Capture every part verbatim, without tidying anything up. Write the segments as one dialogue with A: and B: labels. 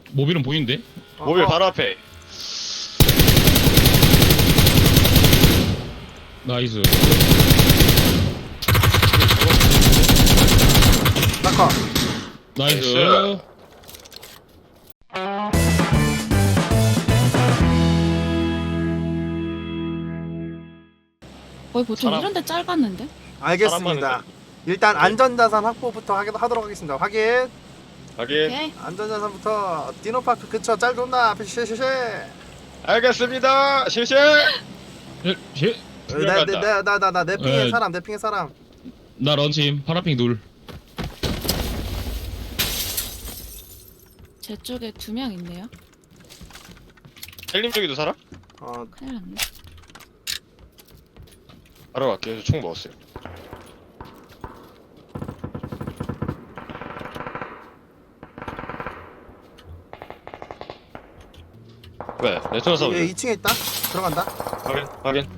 A: 모빌은 보이는데?
B: 어,
C: 모빌
B: 어.
C: 바로 앞에.
A: 나이스.
B: 낙하.
A: 나이스.
C: 나이스.
D: 거의 보통
C: 사람-
D: 이런데 짧았는데?
B: 알겠습니다.
C: 사람
B: 일단 안전자산 확보부터 하게 하도록 하겠습니다. 확인.
C: 확인.
D: 오케이.
B: 안전자산부터 디노파크 근처 짤돈나 앞에 쉐쉐쉐.
C: 알겠습니다. 실시.
A: 예, 예.
C: 두명 간다.
B: 나나나나 내 핑의
A: 에.
B: 사람 내 핑의 사람.
A: 나 런팀 파라핑 둘.
D: 제 쪽에 두 명 있네요.
C: 헬림 쪽에도 살아?
B: 어
D: 큰일 났네.
C: 바로 갈게요. 저 총 먹었어요. 왜? 레토나 싸우죠?
B: 얘 이 층에 있다. 들어간다.
C: 확인. 확인.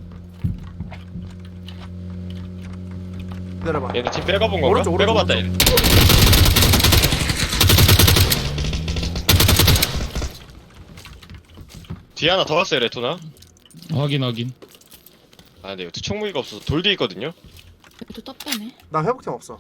B: 기다려봐.
C: 얘네 팀 빼가본 건가?
B: 오른쪽, 오른쪽,
C: 빼가봤다 얘네. 뒤에 하나 더 왔어요 레토나.
A: 확인 확인.
C: 아 근데 여기 총무기가 없어서 돌 뒤에 있거든요.
D: 여기도 떡배네.
B: 나 회복템 없어.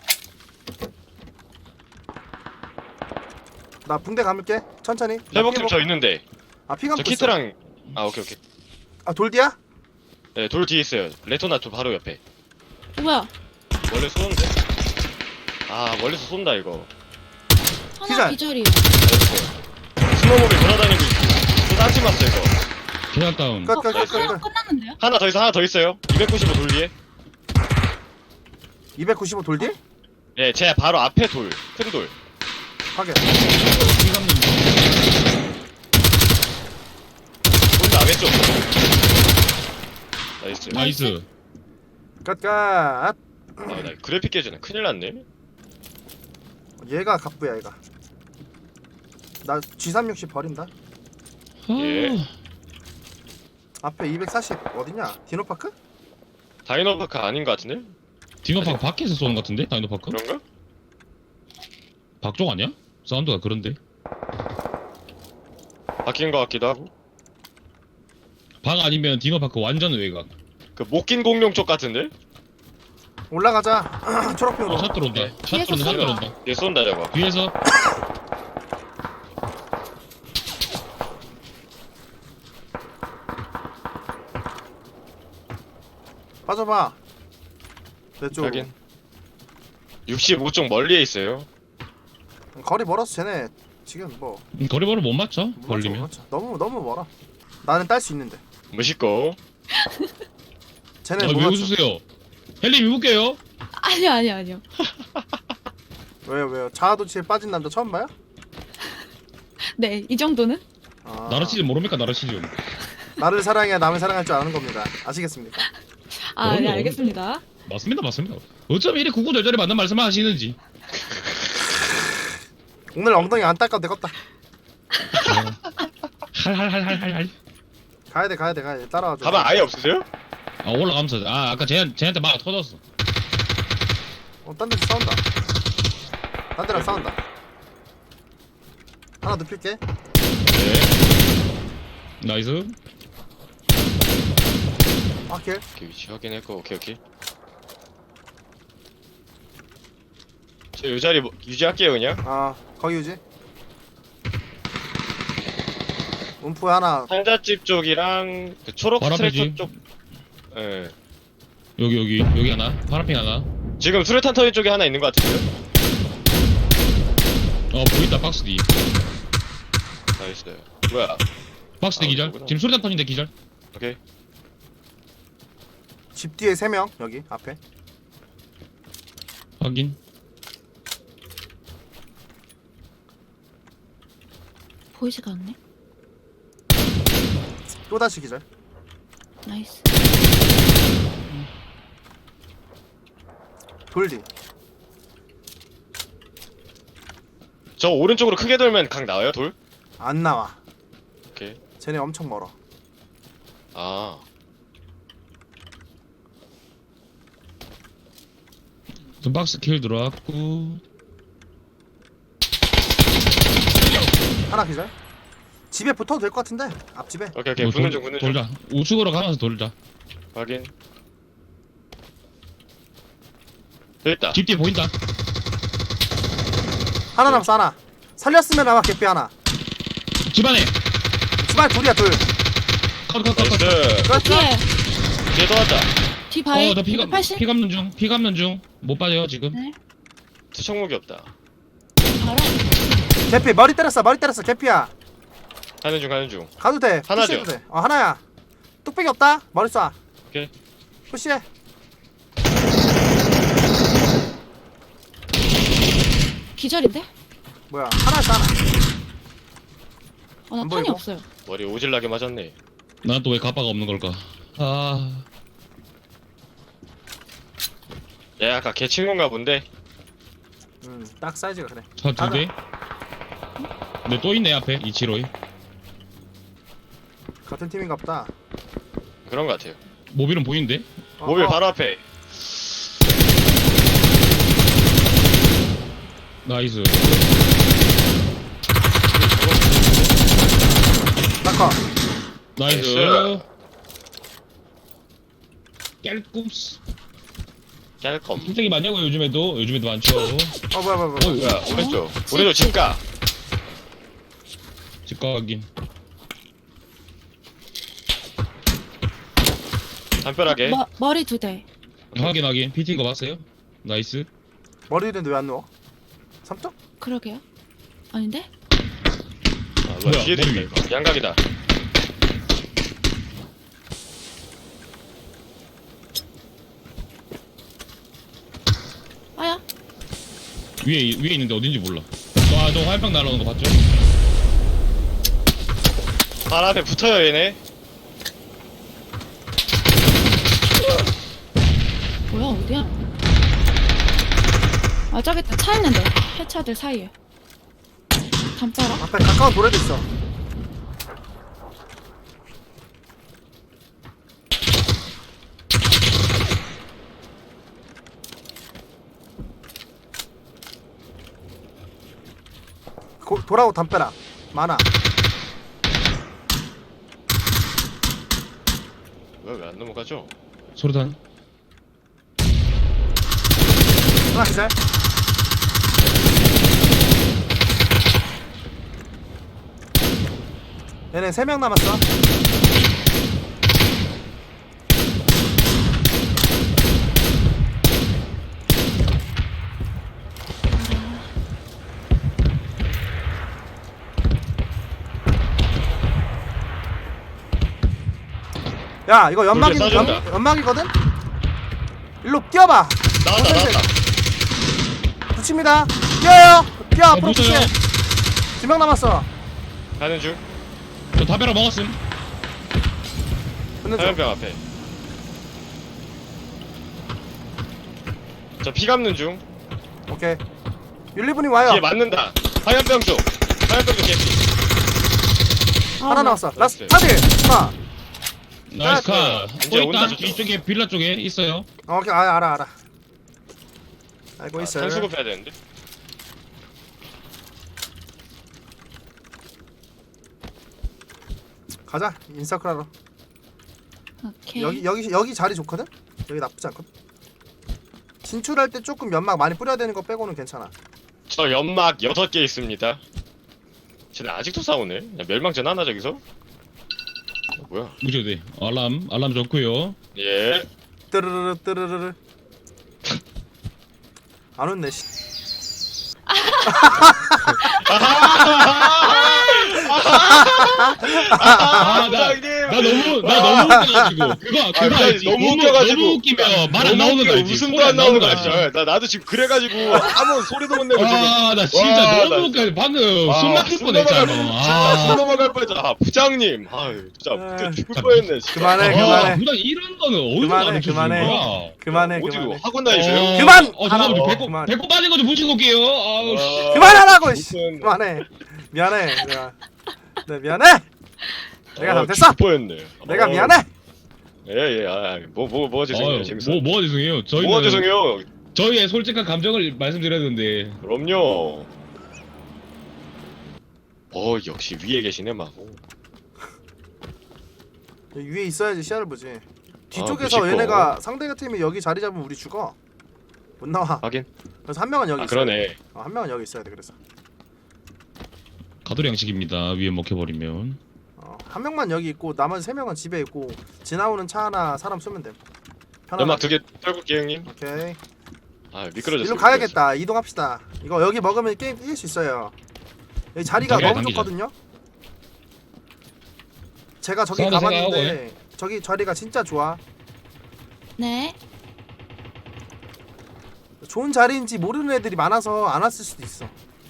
B: 나 붕대 감을게. 천천히. 나
C: 회복템
B: 피
C: 저 있는데.
B: 아 피
C: 저
B: 감고 있어.
C: 키트랑 아 오케이 오케이.
B: 아 돌디야?
C: 네, 돌 뒤에 있어요. 레토나 저 바로 옆에.
D: 어, 뭐야?
C: 원래 쏘는데? 아 멀리서 쏜다 이거.
D: 하나
B: 기절.
D: 기절이에요.
C: 나이스. 스노우볼이 돌아다니고 있어. 또 딴팀 왔어 이거.
A: 계단 다운.
B: 끝,
D: 어,
B: 끝, 끝,
D: 하나
B: 끝, 끝.
D: 끝났는데요?
C: 하나 더 있어 하나 더 있어요. 이백구십오 돌 뒤에.
B: 이백구십오 돌디?
C: 네, 제 바로 앞에 돌. 큰 돌.
B: 확인.
C: 혼자 왼쪽. 나이스.
A: 나이스.
B: 끝끝.
C: 아, 나 그래픽 깨지네. 큰일 났네.
B: 얘가 갑부야 얘가. 나 지 삼백육십 버린다.
C: 예.
A: 아,
B: 앞에 이백사십 어디냐? 디노파크?
C: 다이노파크 아닌 것 같은데?
A: 디노파크 밖에서 쏘는 것 같은데? 다이노파크?
C: 그런가?
A: 박쪽 아니야? 사운드가 그런데.
C: 바뀐 것 같기도 하고.
A: 박 아니면 디노파크 완전 외곽.
C: 그 목긴 공룡 쪽 같은데?
B: 올라가자. 초록핑으로.
A: 어, 샷 들어온다.
C: 네.
A: 샷
D: 뒤에서
A: 들어온다. 샷
D: 쏜다.
A: 들어온다.
C: 얘 쏜다 저거.
A: 뒤에서
B: 빠져봐. 내 쪽.
C: 확인. 육십오 쪽 멀리에 있어요.
B: 거리 멀어서 쟤네 지금 뭐
A: 음, 거리번호 못 맞춰?
B: 못 맞춰, 못
A: 걸리면.
B: 맞춰. 너무 너무 멀어. 나는 딸 수 있는데.
C: 멋있고.
B: 쟤네
A: 아,
B: 못
A: 왜
B: 맞춰.
A: 웃으세요? 헬림 입을게요.
D: 아니요 아니요 아니요.
B: 왜요 왜요? 자아도취에 빠진 남자 처음 봐요?
D: 네, 이 정도는?
B: 아,
A: 나라시즈 모릅니까? 나라시즈.
B: 나를 사랑해야 남을 사랑할 줄 아는 겁니다. 아시겠습니까?
D: 아, 네,
A: 그럼요.
D: 알겠습니다.
A: 맞습니다, 맞습니다. 어쩜 이리 구구절절히 맞는 말씀을 하시는지.
B: 오늘 엉덩이 안 닦아도 되겠다.
A: 할할할할할.
B: 가야 돼 가야 돼 가야 돼. 따라와줘.
C: 가방 아예 없으세요?
A: 아 올라가면서 아 아까 쟤한 쟤한테 막 터졌어.
B: 어, 딴 데서 싸운다. 딴 데랑 싸운다. 하나 눕힐게.
A: 네. 나이스.
B: 아킬.
C: 오케이 위치 확인했고 오케이 오케이. 저 요 자리 뭐, 유지할게요 그냥.
B: 아 거기 유지. 움프 하나.
C: 상자집 쪽이랑 그 초록
A: 바로 앞이지.
C: 스트레터 쪽. 예.
A: 여기 여기 여기 하나. 파란핑 하나.
C: 지금 수류탄 터진 쪽에 하나 있는 것 같은데요?
A: 어 보인다 박스 뒤.
C: 나이스. 뭐야?
A: 박스 뒤
C: 아,
A: 기절.
C: 그거구나.
A: 지금 소리탄 터진데 기절.
C: 오케이.
B: 집 뒤에 세 명 여기 앞에.
A: 확인.
D: 보이지가 않네.
B: 또 다시 기절.
D: 나이스.
B: 돌디.
C: 저 오른쪽으로 크게 돌면 각 나와요 돌?
B: 안 나와.
C: 오케이.
B: 쟤네 엄청 멀어.
C: 아.
A: 좀 박스 킬 들어왔고.
B: 하나 기절. 집에 붙어도 될 것 같은데 앞집에.
C: 오케이 오케이
A: 뭐
C: 붙는
A: 돌-
C: 중 붙는 중.
A: 돌자. 우측으로 가면서 돌자.
C: 확인. 됐다.
A: 집 뒤에 보인다.
B: 하나 남았어 하나. 살렸으면 아마 개피 하나.
A: 집 안에.
B: 집안 둘이야 둘.
C: 나이스.
A: 컷컷컷컷.
B: 그렇지.
D: 뒤에
C: 뒤에 또 왔다.
D: 뒤 바위
A: 어, 나 피가
D: 이백팔십.
A: 피 감는 중. 피 감는 중. 못 빠져요 지금.
D: 네.
C: 투척목이 없다.
D: 바로.
B: 개피 머리 때렸어 머리 때렸어 개피야.
C: 가는 중 가는 중.
B: 가도 돼.
C: 하나죠?
B: 푸시해도 돼. 어 하나야. 뚝배기 없다. 머리 쏴.
C: 오케이.
B: 푸시해.
D: 기절인데?
B: 뭐야 하나였어 하나.
D: 어, 나
B: 안
D: 탄이
B: 보이고?
D: 없어요.
C: 머리 오질나게 맞았네.
A: 난 또 왜 가빠가 없는 걸까? 아.
C: 얘 아까 걔 친구인가 본데.
B: 음딱 사이즈가 그래.
A: 차 두 대. 근데 또 있네 앞에 이치로이.
B: 같은 팀인가 보다.
C: 그런 거 같아요.
A: 모빌은 보이는데?
B: 어,
C: 모빌
B: 어.
C: 바로 앞에.
A: 나이스.
B: 낙하.
A: 나이스.
C: 나이스.
A: 깰꿈스.
C: 짤검.
A: 솔직히 많냐고 요즘에도 요즘에도 많죠.
B: 어 뭐야 뭐야 뭐야.
A: 어,
C: 뭐야 오른쪽.
D: 집,
C: 오른쪽
D: 집.
C: 집가.
A: 집가 확인.
C: 담벼락에.
D: 머, 머리 두 대.
A: 확인 확인. 피팅 거 봤어요? 나이스.
B: 머리 위인데 왜 안 누워? 삼뚝?
D: 그러게요. 아닌데?
C: 아, 뭐야
A: 뭐야,
C: 뒤에도
A: 머리
C: 있다 이거. 양각이다.
D: 아야.
A: 위에 위에 있는데 어딘지 몰라. 아저 화염병 날아오는 거 봤죠?
C: 발 앞에 붙어요 얘네.
D: 뭐야 어디야? 아 저기 있다. 차 있는데. 폐차들 사이에. 담벼락?
B: 앞에 가까운 도래도 있어. 고, 돌아오 담벼락 많아.
C: 뭐야 왜 안 넘어가죠?
A: 소리단.
B: 하나 기절. 얘네 세 명 남았어. 야 이거 연막이
C: 돌게
B: 연,
C: 쏴준다.
B: 연막이거든. 일로 뛰어봐.
C: 나왔다 나왔다.
B: 붙입니다. 뛰어요. 뛰어
A: 어,
B: 앞으로
A: 붙어요.
B: 붙여. 두 명 남았어.
C: 가는 중.
A: 저 담배라 먹었음.
B: 붙는 중.
C: 화염병 앞에. 저 피 감는 중.
B: 오케이. 율리분이 와요.
C: 뒤에 맞는다. 화염병 쪽. 화염병 쪽 개피.
D: 아,
B: 하나
D: 나-
B: 남았어. 라스
C: 나이스.
B: 차들 하나.
A: 나이스 카.
C: 아, 이제
A: 또 있다.
C: 온다, 저쪽.
A: 이쪽에 빌라 쪽에 있어요.
B: 어, 오케이 아, 알아 알아. 알고
C: 아,
B: 있어요.
C: 산수급 해야 되는데.
B: 가자 인서클 하러.
D: 오케이.
B: 여기 여기 여기 자리 좋거든. 여기 나쁘지 않거든. 진출할 때 조금 연막 많이 뿌려야 되는 거 빼고는 괜찮아.
C: 저 연막 여섯 개 있습니다. 쟤네 아직도 싸우네. 야, 멸망전 하나 저기서? 어, 뭐야?
A: 무조건 알람 알람 좋고요.
C: 예.
B: 뜨르르르 뜨르르르. 안 웃네. 씨.
A: 아, 나,
C: 부장님!
A: 나 너무 나 너무 웃겨가지고 그거 그거
C: 부장님,
A: 알지?
C: 너무 웃겨가지고.
A: 너무 웃기면 말 안
C: 너무
A: 나오는 거
C: 웃겨.
A: 알지?
C: 웃음도
A: 소리
C: 안 나오는 거
A: 알지?
C: 알죠? 나 나도 지금 그래가지고 아무 소리도 못 내고 지금.
A: 아나 진짜
C: 와,
A: 너무
C: 나
A: 웃겨. 방금
C: 아,
A: 숨 막힐
C: 숨
A: 뻔했잖아.
C: 넘어갈- 진짜 숨
A: 아,
C: 넘어갈 뻔했잖아. 아, 부장님. 아, 진짜
B: 아,
C: 웃겨 죽을
A: 진짜
C: 뻔했네. 진짜.
B: 그만해,
C: 아,
B: 그만해.
A: 부장 이런 거는 어디서
B: 그만해,
A: 가르쳐 주는
B: 그만해.
A: 거야?
B: 그만해
C: 어디로
B: 그만해.
C: 학원 다니세요?
A: 어,
B: 그만!
A: 어 잠깐만
B: 하라고.
A: 배꼽
B: 그만.
A: 배꼽 빠진 거 좀 붙이고 올게요. 아우 씨.
C: 와,
B: 그만하라고. 씨.
C: 무슨-
B: 그만해. 미안해. 내가. 네 미안해. 내가
C: 어,
B: 잘못했어.
C: 죽을 뻔했네.
B: 내가
C: 어,
B: 미안해.
C: 예, 예. 아, 뭐, 뭐, 뭐 죄송해요.
A: 아유,
C: 재밌어.
A: 뭐 뭐가 죄송해요. 저희는
C: 뭐가 죄송해요.
A: 저희의 솔직한 감정을 말씀드렸는데
C: 그럼요. 어 역시 위에 계시네 막.
B: 여기 위에 있어야지 시야를 보지. 뒤쪽에서
C: 무식고.
B: 얘네가 상대가 팀이 여기 자리 잡으면 우리 죽어. 못 나와.
C: 확인.
B: 그래서 한 명은 여기
C: 아
B: 있어야 돼.
C: 그러네.
B: 어, 한 명은 여기 있어야 돼. 그래서
A: 가돌 양식입니다. 위에 먹혀버리면.
B: 어, 한 명만 여기 있고 나머지 세 명은 집에 있고 지나오는 차 하나 사람 쏘면 돼. 편하게.
C: 연막 두 개 떨굴게요 형님.
B: 오케이.
C: 아 미끄러졌어.
B: 일로 가야겠다. 이동합시다. 이거 여기 먹으면 게임 이길 수 있어요. 여기 자리가
A: 당기자,
B: 너무
A: 당기자.
B: 좋거든요. 제가 저기
A: 싸우다
B: 가봤는데 저기 자리가 진짜 좋아.
D: 네.
B: 좋은 자리인지 모르는 애들이 많아서 안 왔을 수도 있어.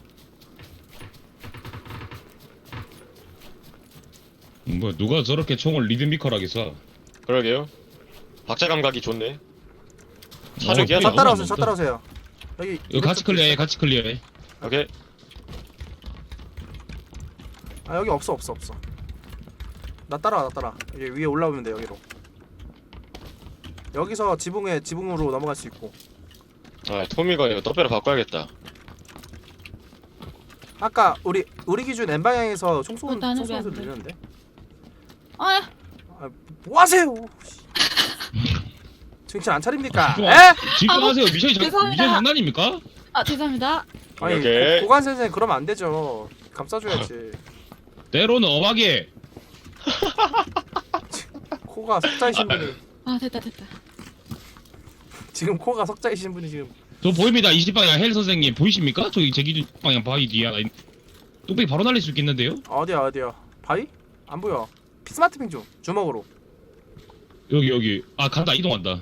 A: 음, 뭐야 누가 저렇게 총을 리드미컬하게 쏴?
C: 그러게요. 박자 감각이 좋네.
A: 어,
C: 사륙이야?
B: 저
A: 너무
B: 따라오세요. 저
A: 많다.
B: 따라오세요. 여기
A: 이거 같이 클리어해, 같이 클리어해.
C: 오케이.
B: 아 여기 없어 없어 없어. 나 따라와 나 따라. 여기 위에 올라오면 돼 여기로. 여기서 지붕에 지붕으로 넘어갈 수 있고.
C: 아 토미가 이거 떡배로 바꿔야겠다.
B: 아까 우리 우리 기준 N 방향에서 총 쏘는
D: 어, 나는
B: 총 쏘는
D: 왜안
B: 소리
D: 돼?
B: 들리는데.
D: 아,
B: 아, 뭐 하세요? 정신 안 차립니까?
A: 좋아.
B: 에?
A: 집중하세요. 미션이 장,
D: 죄송합니다.
A: 미션 장난입니까?
D: 아 죄송합니다.
B: 아니
C: 오케이.
B: 고, 고관 선생 그러면 안 되죠. 감싸줘야지.
A: 때로는 엄하게.
B: 코가 석자이신 분이
D: 아 됐다 됐다.
B: 지금 코가 석자이신 분이 지금
A: 저 보입니다. 이십 방향 헬 선생님 보이십니까? 저기 제 기준 방향 바위 뒤에 하나 있... 뚝배기 바로 날릴 수 있겠는데요?
B: 어디야 어디야? 바위? 안 보여. 스마트핑 좀 주먹으로.
A: 여기 여기. 아 간다 이동한다.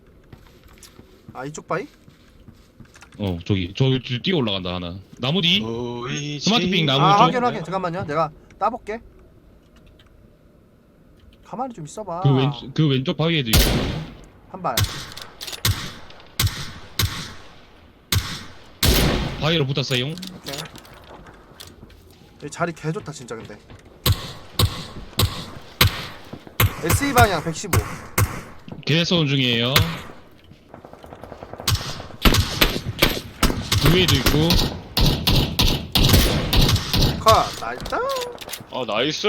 B: 아 이쪽 바위?
A: 어 저기 저, 저 뛰어 올라간다 하나. 나무 뒤.
C: 보이지
A: 스마트핑 나무
B: 아
A: 쪽.
B: 확인 확인. 잠깐만요. 내가 따볼게. 가만히 좀 있어봐.
A: 그 왼쪽 그 왼쪽 바위에도 있어.
B: 한 발.
A: 바위로 붙었어요.
B: 오케이. 여기 자리 개 좋다 진짜 근데. 에스이 방향 백십오.
A: 개선 중이에요. 그 위에도 있고.
B: 컷. 나이스.
C: 아 나이스.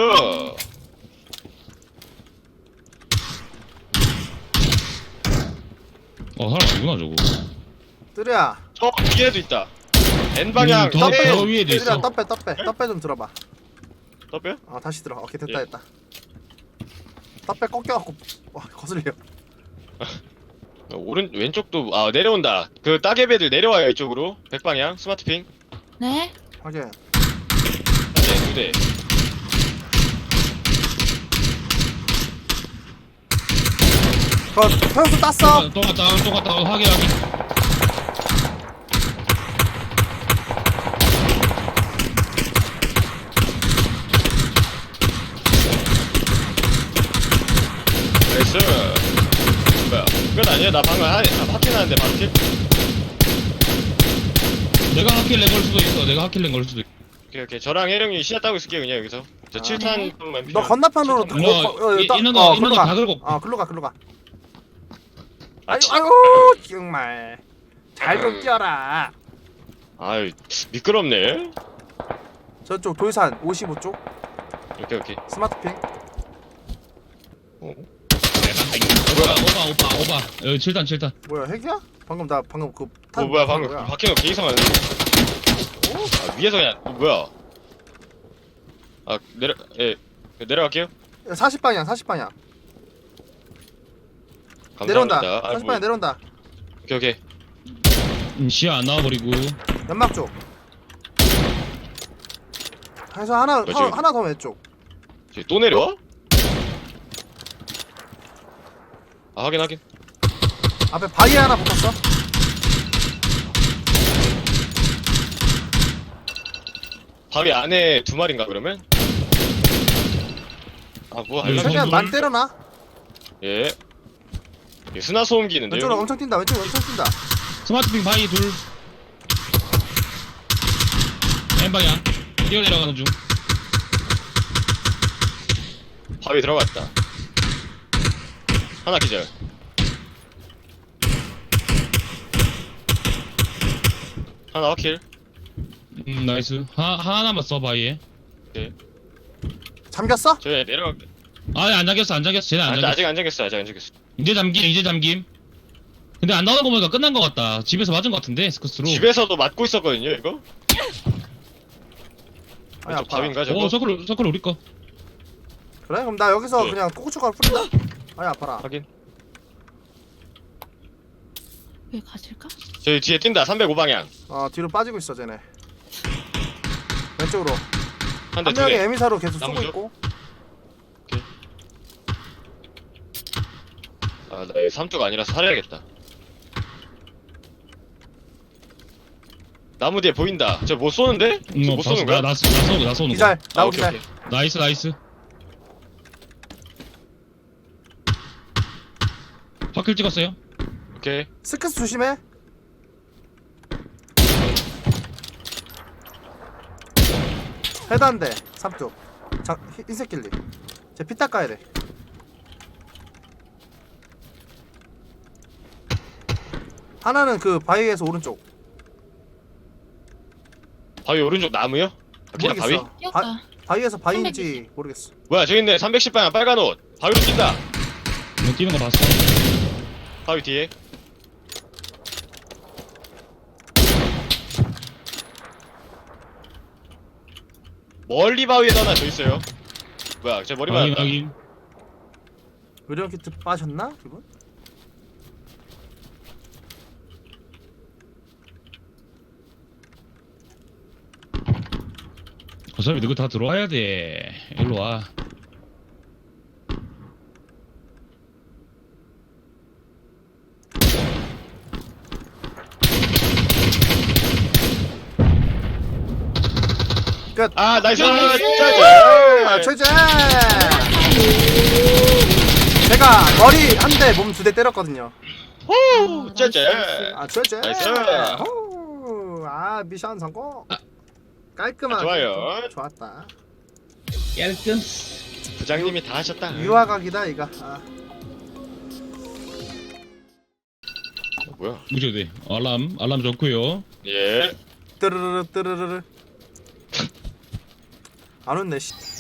A: 어 사람 아니구나 저거.
B: 뜨려야.
C: 저 위에도 있다. N 방향.
A: 음, 더,
C: 떡배.
A: 더 위에도
B: 뜨려야
A: 있어.
B: 떡배 떡배 떡배 좀 들어봐.
C: 떡배?
B: 어 다시 들어. 오케이 됐다
C: 예.
B: 됐다. 떡배 꺾여갖고 와 거슬려.
C: 오른 왼쪽도 아 내려온다. 그 따개배들 내려와요 이쪽으로. 백방향 스마트핑.
D: 네.
B: 확인.
C: 네, 두 대.
B: 컷. 평수 땄어.
A: 또 갔다 또 갔다 확인 확인.
C: 나이스. 뭐야? 끝 아니야? 나 방금 한 파킹 하는데 파킹?
A: 내가 하킬랭 걸 수도 있어. 내가 하킬랭 걸 수도 있어.
C: 오케이 오케이. 저랑 혜령이 시야 따고 있을게요 그냥 여기서. 저
D: 아,
C: 칠 탄 만
B: 너 건너편으로
C: 칠 탄.
A: 너,
B: 어, 어,
A: 이-
B: 따-
A: 이놈아,
B: 어,
A: 이놈아
B: 글로 가.
A: 다 긁어.
B: 어 글로 가 글로 가.
C: 아,
B: 아유
C: 치-
B: 아유 정말 잘 좀 뛰어라.
C: 아유 미끄럽네.
B: 저쪽 돌산 오십오 쪽
C: 오케이 오케이.
B: 스마트핑.
C: 어?
A: 오빠 오빠 오빠 오빠. 여기 칠 탄 칠 탄.
B: 뭐야 핵이야? 방금 나 방금 그 탄
C: 어 뭐야 방금
B: 뭐야?
C: 바퀴가 개 이상한데? 아, 위에서 그냥 어, 뭐야? 아 내려 예 내려갈게요.
B: 사십 방향 사십 방향
C: 감사합니다.
B: 내려온다.
C: 아,
B: 사십
C: 뭐,
B: 방향 내려온다.
C: 오케이 오케이.
A: 음, 시야 안 나와버리고.
B: 연막 쪽. 그래서 하나
C: 뭐지?
B: 하, 하나 더 왼쪽.
C: 저기 또 내려와? 아 확인 확인.
B: 앞에 바위 하나 붙었어.
C: 바위 안에 두 마리인가 그러면? 아뭐
A: 네,
C: 알람
A: 선-
B: 최대한
A: 선물?
B: 많이 때려놔.
C: 예. 예, 스나 소음기 있는데요?
B: 왼쪽으로 엄청 뛴다. 왼쪽 엄청 뛴다.
A: 스마트핑 바위 둘. N 방향. 뛰어 내려가는 중.
C: 바위 들어갔다. 하나 기절. 하나 확킬.
A: 음 나이스. 하 하나만 써 바위에.
C: 오케이.
B: 잠겼어?
C: 저희 내려가.
A: 아니 안 잠겼어 안 잠겼어 쟤는 안
C: 아직
A: 잠겼어.
C: 아직 안 잠겼어. 아직 안 잠겼어.
A: 이제 잠김 이제 잠김. 근데 안 나오는 거 보니까 끝난 거 같다. 집에서 맞은 거 같은데 스커스로.
C: 집에서도 맞고 있었거든요 이거.
B: 아니
C: 왼쪽
B: 아파.
C: 밥인가 저거?
A: 어 서클 서클 우리 거.
B: 그래? 그럼 나 여기서
C: 네.
B: 그냥 꼬꾸초가루 뿌린다. 아니 아파라.
C: 확인.
D: 왜 가실까?
C: 저희 뒤에 뛴다. 삼백오 방향.
B: 어 뒤로 빠지고 있어 쟤네. 왼쪽으로.
C: 한 대
B: 한
C: 두
B: 명이
C: 대.
B: 에미사로 계속 쏘고
C: 나무죠?
B: 있고.
C: 아나 삼쪽 아니라서 살려야겠다. 나무 뒤에 보인다. 저 못 쏘는데?
A: 응,
C: 저
A: 어,
C: 못
A: 봤어.
C: 쏘는 거야?
A: 나, 나, 나 쏘는 거, 나 쏘는 거.
B: 기절.
C: 아,
B: 나무
C: 오케이,
B: 기절.
C: 오케이.
A: 나이스 나이스. 확킬 찍었어요.
C: 오케이.
B: 스크스 조심해. 헤드 한 대. 삼쪽. 자, 히- 흰색 길리. 쟤 피 닦아야 돼. 하나는 그 바위에서 오른쪽.
C: 바위 오른쪽 나무요? 그냥 바위?
B: 모르겠어.
D: 뛰었다.
B: 바, 바위에서 바위인지 모르겠어.
C: 뭐야 저기 있네. 삼백십 방향 빨간 옷. 바위로 뛴다.
A: 뭐 뛰는 거 봤어.
C: 바위 뒤에. 멀리 바위에도 하나 더 있어요. 뭐야 제 머리
A: 확인
C: 맞았다.
A: 확인.
B: 의료원 키트 빠셨나? 기분?
A: 어차피 너희 다 들어와야 돼. 일로 와.
B: 끝.
C: 아 나이스.
D: 나이스.
B: 아,
C: 짜잔.
B: 최재! 제가 머리 한 대, 몸 두 대 때렸거든요.
C: 호
D: 아,
C: 짜잔.
D: 나이스.
B: 아, 최재!
C: 나이스.
B: 호! 아, 미션 성공! 깔끔하게.
C: 좋아요.
B: 좋았다.
A: 깔끔.
C: 부장님이 다 하셨다.
B: 유화각이다, 이거. 아.
C: 어, 뭐야?
A: 무조건 돼. 알람 알람 좋고요.
C: 예.
B: 뜨르르르, 뜨르르르. 안 웃네, 씨.